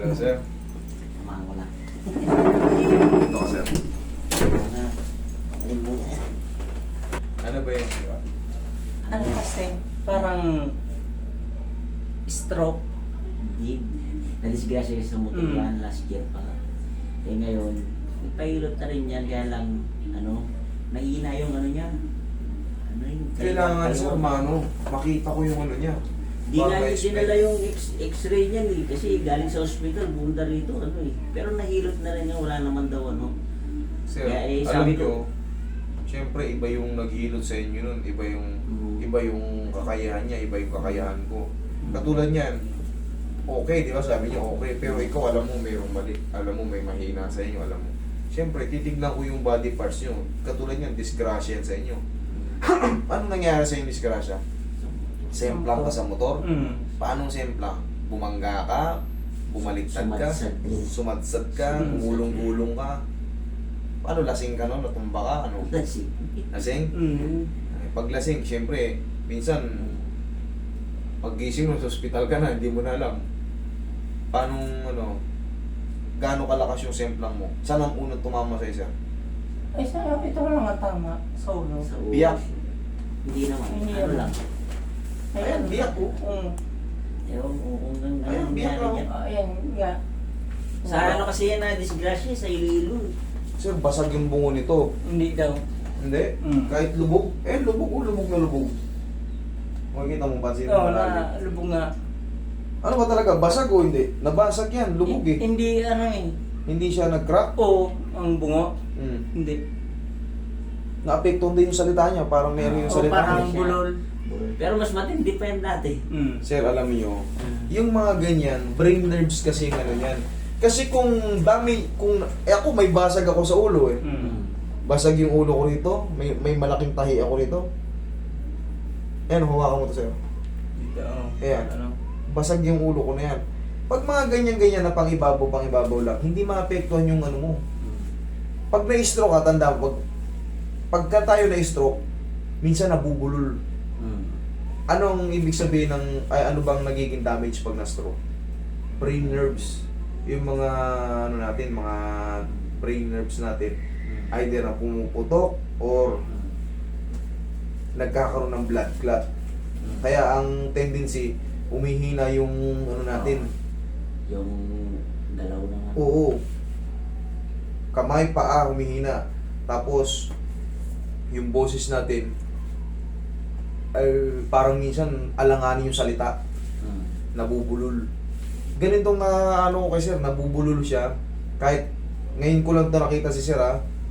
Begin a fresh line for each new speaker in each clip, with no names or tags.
Hello, sir.
Tamahan ko na.
Ito ka, sir.
Alin mo na.
Ano ba yung
Ano kasi, parang stroke.
Hindi. Nalisgrasya kasi sa motor yan last year pa. Eh ngayon, nagpahilot na rin yan. Kaya lang, nahihina yung ano niya. Ano yung...
kailangan, sir, mano, makita ko yung ano niya.
Di nga
Para
yung
ma-explain.
dinala yung x-ray niyan eh. Kasi galing sa hospital, bunda rito, Pero nahilot na rin yan, wala naman daw,
Sir,
Kaya,
alam
sabi
nyo, siyempre iba yung naghilot sa inyo nun, iba yung kakayahan niya, iba yung kakayahan ko. Katulad niyan, okay, di ba sabi niya okay, pero ikaw alam mo mayroong mali, alam mo may mahina sa inyo, alam mo. Siyempre, titignan ko yung body parts niyo. Katulad niyan, disgrasya yan sa inyo. Ano nangyari sa yung disgrasya? Semplang ka sa motor? Paano semplang? Bumangga ka? Bumaliktad ka?
Sumadsad.
Sumadsad ka? Gumulong-gulong ka? Paano, lasing ka no? Natumba ka? Ano?
Lasing.
Lasing? Ay, pag lasing, siyempre, minsan, pag-gising mo sa ospital ka na, hindi mo na alam. Paano, gaano kalakas yung semplang mo? Saan ang unang tumama sa isa?
Ay, ito lang nga tama, sa ulo.
Sa ulo.
Biyak.
Hindi naman.
Hindi
Ano
naman.
lang.
Ayan, biyak oh.
Ewan ko kung
Ayan,
ano
biyak
nangyari
ako.
niya.
Ayan, nga.
Sa ano kasi yan na disgrasya sa Iloilo.
Sir, basag yung bungo nito.
Hindi daw.
Hindi? Kahit lubog? Lubog lubog na lubog. Makikita mo, pansin mo
Oo,
malalim.
na lubog nga.
Ano ba talaga? Basag o hindi? Nabasag yan, lubog eh.
Hindi,
Hindi siya nag-crack.
Oo, ang bungo.
Hmm.
Hindi.
Naapektuhan din yung salita niya, parang meron yung
O
salita
parang
niya.
bulol.
Pero mas matindi pa yan dati.
Sir, alam niyo, yung mga ganyan, brain nerves kasi yung ano yan. Kasi kung ako may basag ako sa ulo eh. Basag yung ulo ko rito, may malaking tahi ako rito. Ayan, hawakan mo to sir.
Dito,
Ayan.
Ano?
Basag yung ulo ko na yan. Pag mga ganyan-ganyan na pang-ibabaw lang, hindi maapektuhan yung ano mo. Pag na-stroke ka, tanda, pagka tayo na-stroke, minsan nabubulol. Anong ibig sabihin ano bang nagiging damage pag na-stroke? Brain nerves. Yung mga, mga brain nerves natin, either na pumuputok or nagkakaroon ng blood clot. Kaya ang tendency, umihina yung natin.
Yung galaw na nga.
Oo. Kamay, paa, humihina. Tapos, yung boses natin, ay parang minsan alanganin yung salita. Nabubulol. Ganitong ko kay sir, nabubulol siya. Kahit ngayon ko lang ito nakita si sir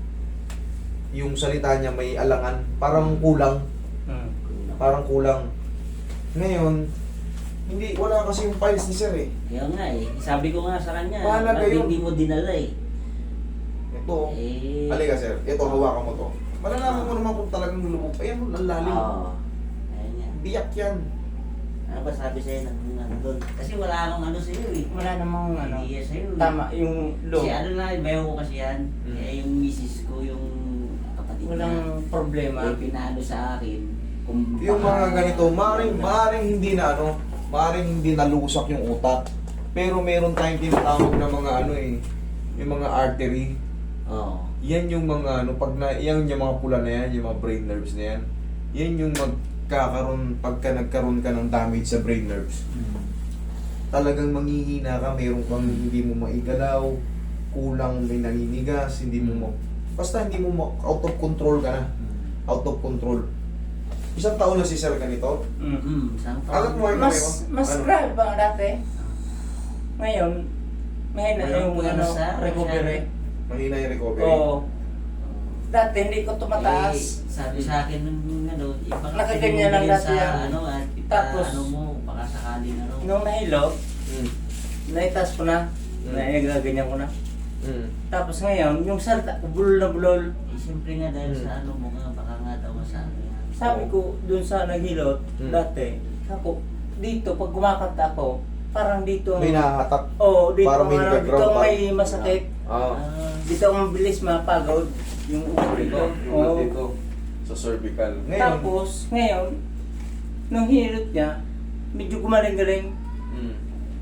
yung salita niya may alangan. Parang kulang. Parang kulang. Ngayon, wala kasi yung files ni sir eh.
Kaya nga sabi ko nga sa kanya,
Mahalaga
ba't
yun.
hindi mo dinala
Ito,
Eh,
halika sir, ito hawakan mo to. Malalaman mo naman kung talagang lubog. Ayan, ang lalim.
Oo. Ayun nga.
Biyak yan.
Ano ba sabi sa'yo ng doon? Kasi wala akong ano sa'yo eh.
Wala namang
Hindi yan sa'yo.
Tama, yung
Kasi
loob.
ano na, bayo ko kasi yan.
Mm.
Eh, yung misis ko, yung kapatid
Walang problema.
Eh, pinano sa akin. Kung
Yung mga
baka-
ganito, maaaring hindi nalusak yung utak. Pero meron tayong tinatawag na mga yung mga artery.
Oo.
Yan yung mga yan yung mga pula na yan, yung mga brain nerves na yan. Yan yung pagka nagkaroon ka ng damage sa brain nerves. Talagang manghihina ka, meron kang hindi mo maigalaw, kulang, may naninigas, basta hindi mo out of control ka na. Out of control. Isang taon na si sir ganito.
Saan pa?
Alam mo,
Mas
Ano?
grabe ba dati? Ngayon, mahina
Walang
yung
puwersa,
recovery.
Mahina yung recovery.
Oo. Dati hindi ko tumataas.
Sabi sa akin nung ibang
Nakaganyan lang dati yan.
at
Tapos,
mo, baka sakaling
Nung nahilo,
Mm.
naitaas ko na. Nagaganyan ko na.
Mm.
Tapos ngayon, yung salta, bulol na bulol.
siyempre nga dahil sa mo nga, baka nga daw masabi.
Sabi ko, dun sa naghilot, dati, ako, dito, pag kumakanta ako, parang dito
May nahatak.
Oo, dito,
Parang may
dito
nag-ground
may masakit.
Ah.
Dito ang mabilis mapagod yung ulo
Dito.
dito.
Yung dito. Sa cervical. Ngayon.
Tapos, ngayon, nung hinilot niya, medyo gumaling-galing.
Mm.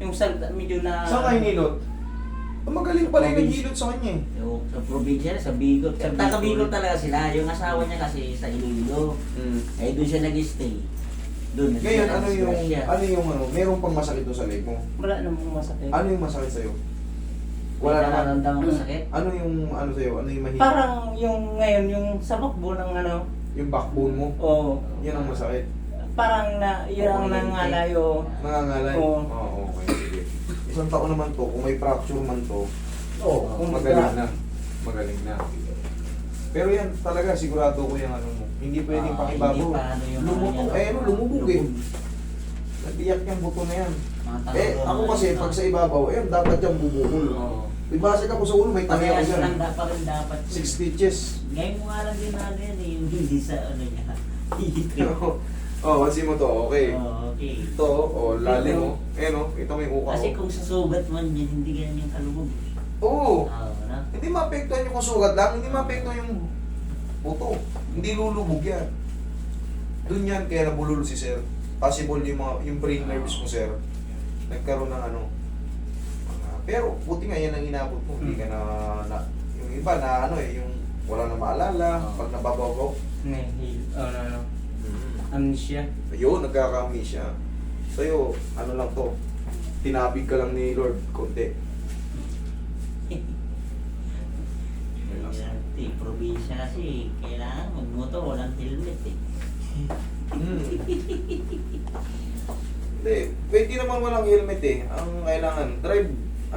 Yung salita, medyo na...
Saan ka hinilot? Magaling pala yung naghilot sa kanya eh.
Yung sa probinsya, sa Bicol.
Sa
Taga
Bicol.
Bicol talaga sila. Yung asawa niya kasi sa Iloilo. Eh, doon siya nag-stay. Doon.
Ngayon, meron pang masakit doon sa leg mo?
Wala namang masakit.
Ano yung masakit sa'yo?
Wala
Wala naman.
nararamdaman masakit.
Ano yung sa'yo? Ano yung mahirap?
Parang yung ngayon, yung sa bakbo ng ano,
Yung backbone mo?
o
Yan ang masakit.
parang na, yun ang nangalayo.
Nangangalay?
Oo.
Okay, sige. Isang taon naman to, kung may fracture man to,
Kung
magaling na. Magaling na. Pero yan, talaga, sigurado ko yung ano mo. Hindi pwedeng pakibago.
Hindi pa ano yung
Lumubog, lumubog eh. Nagbiyak yung buto na yan. Ako kasi, pag sa ibabaw, dapat yung bubukol.
Oo.
Ibase ka po sa ulo, may tangya ko
Parehas
dyan.
lang dapat rin dapat.
6 stitches.
Ngayon mo nga lang din na yan eh, yung hindi sa ano niya.
Pansin mo to, okay.
Oh, okay.
Ito, lalim mo. Ito may uka
Kasi
ko.
kung sa sugat man yan, hindi ganyan yung kalubog.
Oo.
Na?
Hindi maapektuhan yung sugat lang, hindi maapektuhan yung buto. Hindi lulubog yan. Doon yan, kaya nabulol si sir. Possible yung brain nerves mo, sir. Nagkaroon ng pero buti nga yan ang inabot mo. Hindi ka yung iba na yung wala na maalala, pag nababago.
Amnesia.
Ayun, nagkaka-amnesia. Sa'yo, lang to. Tinabig ka lang ni Lord, konti.
Probinsya kasi, kailangan magmotor, walang helmet eh.
Hindi, pwede naman walang helmet eh. Ang kailangan, drive,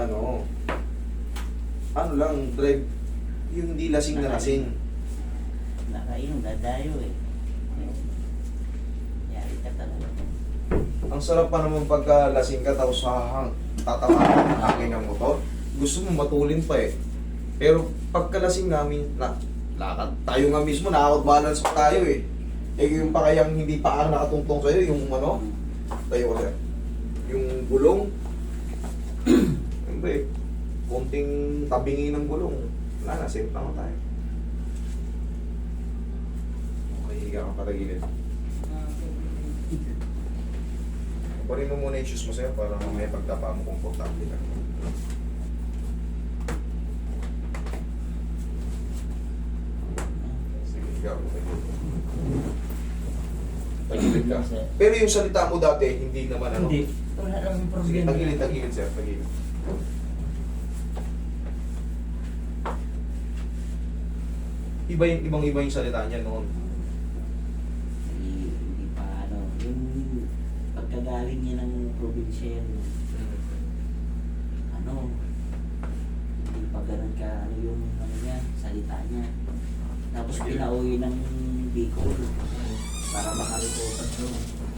drive, yung hindi lasing na lasing.
Nakainom, dadayo eh. Yari ka talaga.
Ang sarap pa naman pagka lasing ka tapos tatamaan ang hangin ng motor. Gusto mo matulin pa eh. Pero pagka lasing namin, lakad. Tayo nga mismo, nakakot-balance pa tayo eh. Yung pa kayang hindi pa nakatungtong sa'yo, yung tayo kasi. Yung gulong, siyempre, konting tabingi ng gulong. Wala na, safe lang tayo. Okay, higa ka patagilid. Kunin mo muna yung shoes mo sa'yo para may pagtapa mo komportable ka. Sige, higa ka patagilid. Tagilid ka. Pero yung salita mo dati, hindi naman
Hindi. Wala namang
Sige,
problema.
tagilid sir, tagilid. Ibang-iba yung salita niya noon.
Hindi pa yung pagkagaling niya ng probinsya yan, hindi pa ganun ka, yung niya, salita niya. Tapos pinauwi ng Bicol para makarecover doon.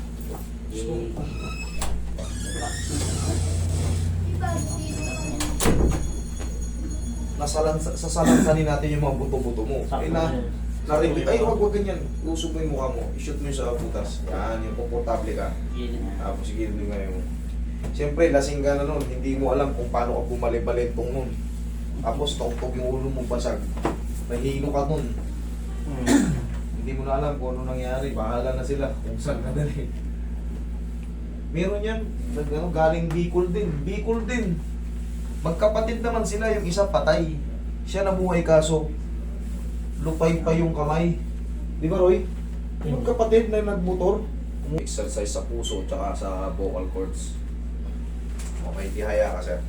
Sasalansanin natin yung mga buto-buto mo. Narinig, ay wag ganyan. Usog mo yung mukha mo. I-shoot mo yung sa butas. Yan, yung komportable ka. Tapos sige mo ngayon. Siyempre, lasing ka na nun. Hindi mo alam kung paano ka bumali-balentong nun. Tapos, toktok yung ulo mong basag. Nahihino ka nun. Hindi mo na alam kung ano nangyari. Bahala na sila kung saan ka dali. Meron yan. Galing Bicol din. Bicol din. Magkapatid naman sila. Yung isa patay. Siya nabuhay kaso lupay pa yung kamay. Di ba, Roy? Yung kapatid na nagmotor. Exercise sa puso tsaka sa vocal cords. Okay, tihaya ka, sir.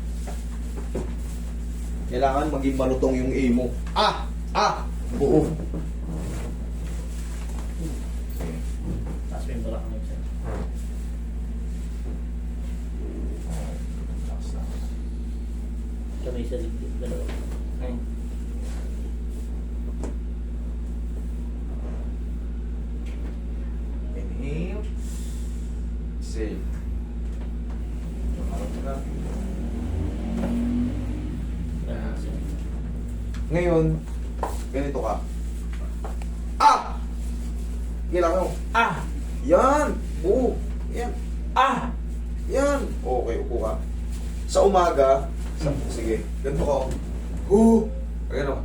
Kailangan maging malutong yung A mo. Oo.
Tapos yung balak mo siya.
Kamay sa likod, dalawa.
Inhale. Exhale. Ngayon, ganito ka. Kailangan mo. Yan! Oo! Yan! Yan! Okay, upo ka. Sa umaga, sige, ganito ka. Ganito.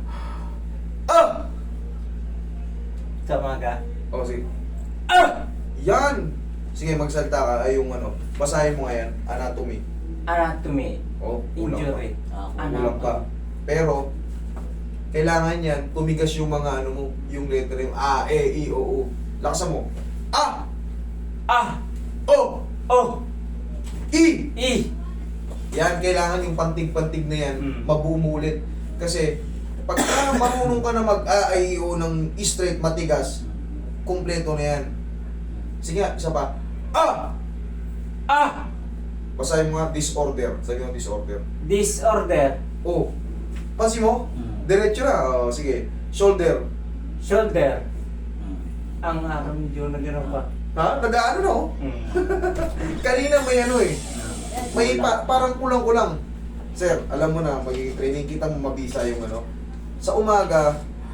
Sa umaga.
Sige. Yan! Sige, magsalita ka. Ay, yung ano. Basahin mo nga yan. Anatomy.
Anatomy.
Oh, kulang pa.
Injury.
Kulang pa. Pero, kailangan yan, tumigas yung mga ano mo, yung letter yung A, E, I, O, U. Lakasan mo. A!
Ah!
O!
Oh!
I!
I!
Yan, kailangan yung pantig-pantig na yan, mabumulit. Kasi, pagka marunong ka na mag-A, I, O ng straight, matigas, kumpleto na yan. Sige nga, isa pa. A!
Ah!
Basahin mo nga, disorder. Sabi mo, disorder.
Disorder.
O. Pansin mo?
Mm.
Diretso na. O, sige. Shoulder.
Shoulder. Ang araw medyo nagano pa.
Ha? Nag-ano na oh. Kanina may ano eh. May parang kulang-kulang. Sir, alam mo na, magiging training kita mo mabisa yung ano. Sa umaga,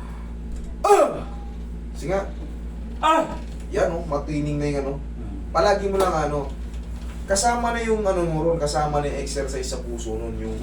sige nga,
Ah!
yan oh, matining na yung ano. Palagi mo lang ano, kasama na yung ano mo ron, kasama na yung exercise sa puso nun, yung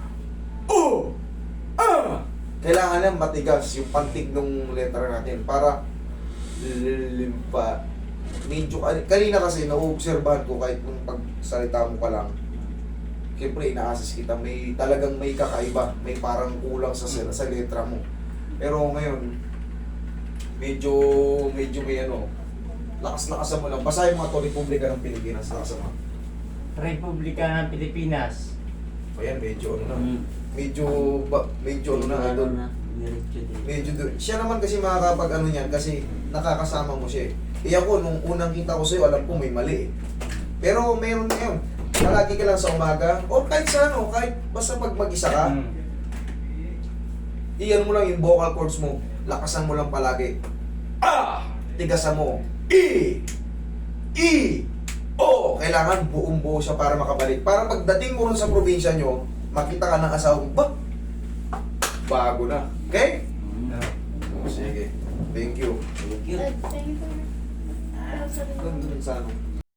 kailangan lang matigas yung pantig ng letter natin para limpa. Medyo, kanina kasi nauobserbahan ko kahit nung pagsalita mo pa lang, siyempre ina-assess kita, may talagang may kakaiba, may parang kulang sa letra mo. Pero ngayon, medyo may ano, lakas-lakasan mo lang. Basahin mo ito, Republika ng Pilipinas, lakasan mo.
Republika ng Pilipinas.
Ayan, medyo ano na. Medyo ano na, idol. Medyo siya naman kasi makakapag ano niyan kasi nakakasama mo siya eh. Ako, nung unang kita ko sa'yo, alam ko may mali eh. Pero meron na yun. Palagi ka lang sa umaga, o kahit sa ano, kahit basta pag mag-isa ka, iyan mo lang yung vocal cords mo, lakasan mo lang palagi. Tigasan mo. O! Kailangan buong-buo siya para makabalik. Para pagdating mo rin sa probinsya nyo, makita ka ng asawa mo, bago na. Okay? Sige. Thank you.
Thank you.
Thank you for...
Ganda rin sa ano.